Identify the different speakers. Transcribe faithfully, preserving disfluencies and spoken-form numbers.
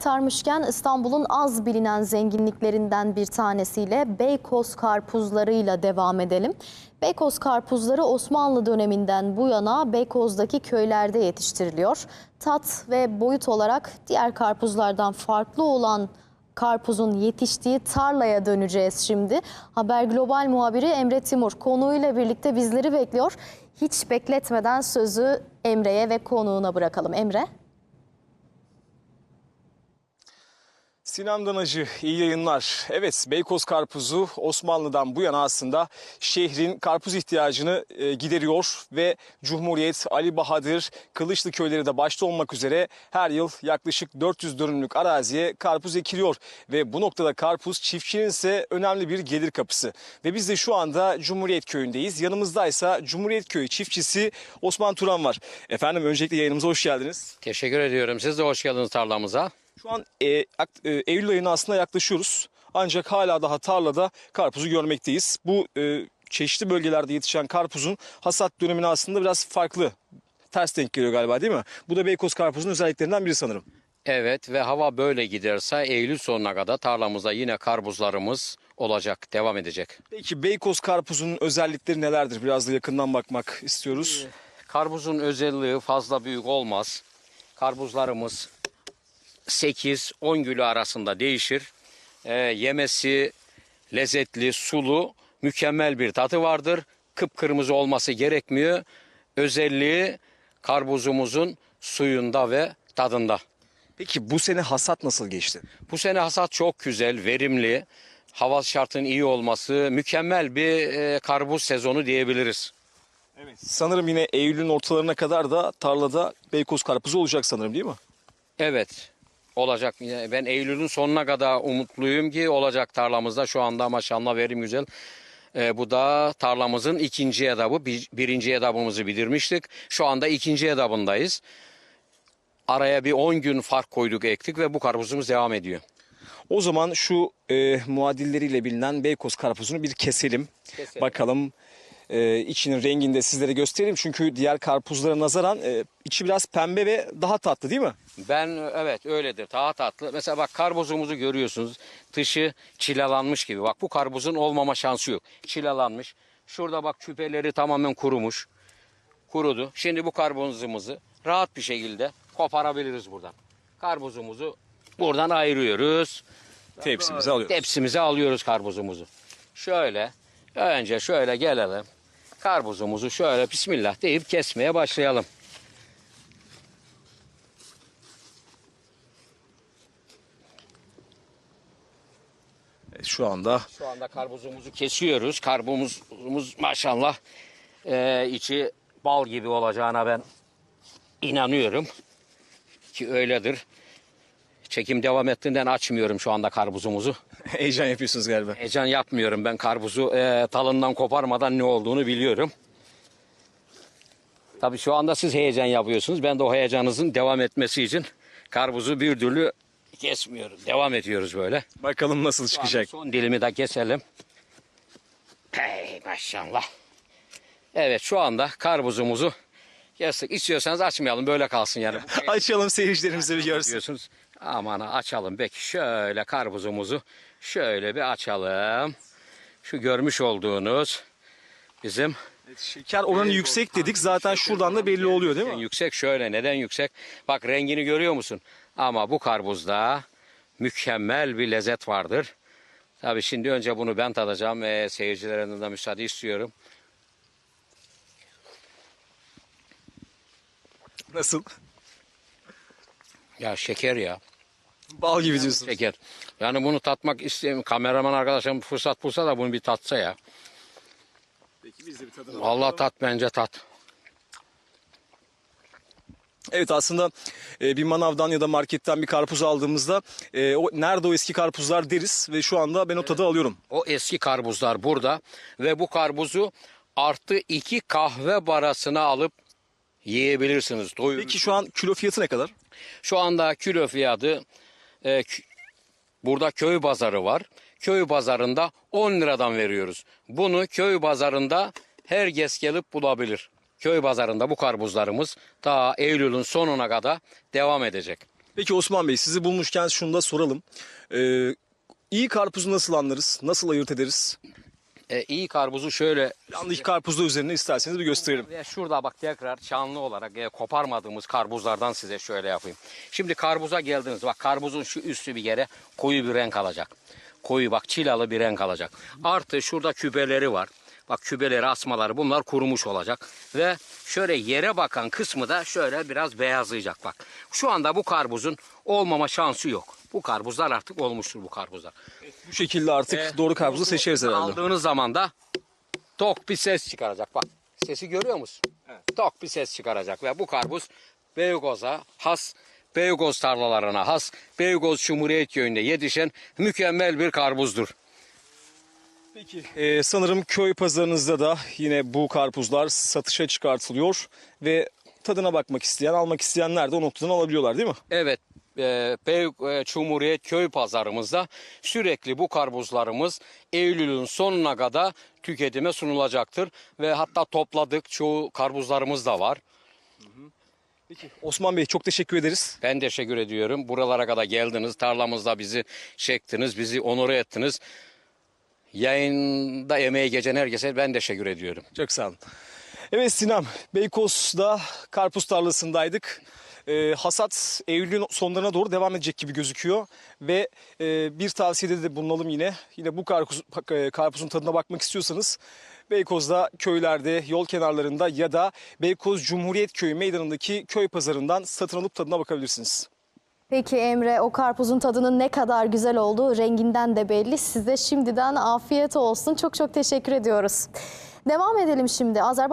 Speaker 1: Tarmışken İstanbul'un az bilinen zenginliklerinden bir tanesiyle Beykoz karpuzlarıyla devam edelim. Beykoz karpuzları Osmanlı döneminden bu yana Beykoz'daki köylerde yetiştiriliyor. Tat ve boyut olarak diğer karpuzlardan farklı olan karpuzun yetiştiği tarlaya döneceğiz şimdi. Haber Global muhabiri Emre Timur konuğuyla birlikte bizleri bekliyor. Hiç bekletmeden sözü Emre'ye ve konuğuna bırakalım. Emre.
Speaker 2: Sinan Danacı, iyi yayınlar. Evet, Beykoz karpuzu Osmanlı'dan bu yana aslında şehrin karpuz ihtiyacını e, gideriyor ve Cumhuriyet, Ali Bahadır, Kılıçlı köyleri de başta olmak üzere her yıl yaklaşık dört yüz dönümlük araziye karpuz ekiliyor. Ve bu noktada karpuz çiftçinin ise önemli bir gelir kapısı. Ve biz de şu anda Cumhuriyet köyündeyiz. Yanımızdaysa Cumhuriyet köyü çiftçisi Osman Turan var. Efendim öncelikle yayınımıza hoş geldiniz.
Speaker 3: Teşekkür ediyorum. Siz de hoş geldiniz tarlamıza.
Speaker 2: Şu an e, e, Eylül ayına aslında yaklaşıyoruz. Ancak hala daha tarlada karpuzu görmekteyiz. Bu e, çeşitli bölgelerde yetişen karpuzun hasat dönemine aslında biraz farklı. Ters denk geliyor galiba, değil mi? Bu da Beykoz karpuzunun özelliklerinden biri sanırım.
Speaker 3: Evet ve hava böyle giderse Eylül sonuna kadar tarlamızda yine karpuzlarımız olacak, devam edecek.
Speaker 2: Peki Beykoz karpuzunun özellikleri nelerdir? Biraz da yakından bakmak istiyoruz.
Speaker 3: Karpuzun özelliği fazla büyük olmaz. Karpuzlarımız sekiz on kilo arasında değişir. Ee, yemesi lezzetli, sulu, mükemmel bir tadı vardır. Kıpkırmızı olması gerekmiyor. Özelliği karpuzumuzun suyunda ve tadında.
Speaker 2: Peki bu sene hasat nasıl geçti?
Speaker 3: Bu sene hasat çok güzel, verimli. Hava şartının iyi olması, mükemmel bir e, karpuz sezonu diyebiliriz.
Speaker 2: Evet. Sanırım yine Eylül'ün ortalarına kadar da tarlada Beykoz karpuzu olacak sanırım, değil mi?
Speaker 3: Evet, olacak. Ben Eylül'ün sonuna kadar umutluyum ki olacak tarlamızda. Şu anda maşallah verim güzel. E, bu da tarlamızın ikinci etabı. Bir, birinci etabımızı bitirmiştik. Şu anda ikinci etabındayız. Araya bir on gün fark koyduk, ektik ve bu karpuzumuz devam ediyor.
Speaker 2: O zaman şu e, muadilleriyle bilinen Beykoz karpuzunu bir keselim.
Speaker 3: Keselim.
Speaker 2: Bakalım e, içinin rengini de sizlere göstereyim. Çünkü diğer karpuzlara nazaran e, içi biraz pembe ve daha tatlı, değil mi?
Speaker 3: Ben evet öyledir. Daha tatlı. Mesela bak karpuzumuzu görüyorsunuz. Dışı çilelanmış gibi. Bak bu karpuzun olmama şansı yok. Çilelanmış. Şurada bak küpeleri tamamen kurumuş. Kurudu. Şimdi bu karpuzumuzu rahat bir şekilde koparabiliriz buradan. Karpuzumuzu buradan ayırıyoruz.
Speaker 2: Tepsimizi alıyoruz.
Speaker 3: Tepsimize alıyoruz karpuzumuzu. Şöyle önce şöyle gelelim. Karpuzumuzu şöyle bismillah deyip kesmeye başlayalım.
Speaker 2: Evet, şu anda
Speaker 3: Şu anda karpuzumuzu kesiyoruz. Karpuzumuz maşallah e, içi bal gibi olacağına ben inanıyorum. Ki öyledir. Çekim devam ettiğinden açmıyorum şu anda karpuzumuzu.
Speaker 2: heyecan yapıyorsunuz galiba.
Speaker 3: Heyecan yapmıyorum. Ben karpuzu e, talından koparmadan ne olduğunu biliyorum. Tabii şu anda siz heyecan yapıyorsunuz. Ben de o heyecanınızın devam etmesi için karpuzu bir türlü kesmiyorum. Devam ediyoruz böyle.
Speaker 2: Bakalım nasıl çıkacak.
Speaker 3: Son dilimi de keselim. Hey maşallah. Evet şu anda karpuzumuzu kestik. İstiyorsanız açmayalım böyle kalsın yani.
Speaker 2: Açalım, seyircilerimize bir görsün.
Speaker 3: Diyorsunuz. Aman açalım. Peki şöyle karpuzumuzu şöyle bir açalım. Şu görmüş olduğunuz bizim
Speaker 2: Şeker oranı yüksek dedik. Zaten şuradan da belli oluyor, değil mi?
Speaker 3: yüksek. Şöyle neden yüksek? Bak rengini görüyor musun? Ama bu karpuzda mükemmel bir lezzet vardır. Tabii şimdi önce bunu ben tadacağım. Ee, seyircilerimden de müsaade istiyorum.
Speaker 2: Nasıl?
Speaker 3: Ya şeker ya.
Speaker 2: Bal gibi diyorsun.
Speaker 3: Şeker. Yani bunu tatmak isteyeyim. Kameraman arkadaşım fırsat bulsa da bunu bir tatsa ya.
Speaker 2: Peki biz de bir tadına
Speaker 3: Allah tat bence tat.
Speaker 2: Evet, aslında e, bir manavdan ya da marketten bir karpuz aldığımızda e, o nerede o eski karpuzlar deriz ve şu anda ben o tadı alıyorum.
Speaker 3: O eski karpuzlar burada ve bu karpuzu artı iki kahve barasına alıp yiyebilirsiniz. Doyurur.
Speaker 2: Peki şu an kilo fiyatı ne kadar?
Speaker 3: Şu anda kilo fiyatı e, kü- burada köy pazarı var. Köy pazarında on liradan veriyoruz. Bunu köy pazarında herkes gelip bulabilir. Köy pazarında bu karpuzlarımız ta Eylül'ün sonuna kadar devam edecek.
Speaker 2: Peki Osman Bey, sizi bulmuşken şunu da soralım. Ee, iyi karpuzu nasıl anlarız? Nasıl ayırt ederiz?
Speaker 3: E, iyi karpuzu şöyle
Speaker 2: Yanındaki karpuzda üzerine isterseniz bir gösterelim.
Speaker 3: ve şurada bak tekrar canlı olarak e, koparmadığımız karpuzlardan size şöyle yapayım. Şimdi karpuza geldiniz. Bak karpuzun şu üstü bir kere koyu bir renk alacak. Koyu bak çilalı bir renk alacak. Artı şurada küpeleri var. Bak küpeleri, asmaları bunlar kurumuş olacak. Ve şöyle yere bakan kısmı da şöyle biraz beyazlayacak bak. Şu anda bu karpuzun olmama şansı yok. Bu karpuzlar artık olmuştur bu karpuzlar.
Speaker 2: Bu şekilde artık
Speaker 3: Ee,
Speaker 2: doğru karpuzu seçeriz herhalde.
Speaker 3: Aldığınız zaman da tok bir ses çıkaracak. Bak sesi görüyor musun? Evet. Tok bir ses çıkaracak ve bu karpuz Beykoz'a has, Beykoz tarlalarına has, Beykoz Cumhuriyet Köyü'nde yetişen mükemmel bir karpuzdur.
Speaker 2: Peki ee, sanırım köy pazarınızda da yine bu karpuzlar satışa çıkartılıyor ve tadına bakmak isteyen, almak isteyenler de o noktadan alabiliyorlar değil mi?
Speaker 3: Evet, e, Bey e, Cumhuriyet Köy pazarımızda sürekli bu karpuzlarımız Eylül'ün sonuna kadar tüketime sunulacaktır. Ve hatta topladık çoğu karpuzlarımız da var.
Speaker 2: Peki Osman Bey, çok teşekkür ederiz.
Speaker 3: Ben teşekkür ediyorum. Buralara kadar geldiniz, tarlamızda bizi çektiniz, bizi onore ettiniz. Yayında emeği geçen herkese ben teşekkür ediyorum.
Speaker 2: Çok sağ olun. Evet Sinem, Beykoz'da karpuz tarlasındaydık. Ee, hasat Eylül'ün sonlarına doğru devam edecek gibi gözüküyor. Ve e, bir tavsiyede de bulunalım yine. Yine bu karpuz, e, karpuzun tadına bakmak istiyorsanız Beykoz'da köylerde, yol kenarlarında ya da Beykoz Cumhuriyet Köyü meydanındaki köy pazarından satın alıp tadına bakabilirsiniz.
Speaker 1: Peki Emre, o karpuzun tadının ne kadar güzel olduğu renginden de belli. Size şimdiden afiyet olsun. Çok çok teşekkür ediyoruz. Devam edelim şimdi. Azerbaycan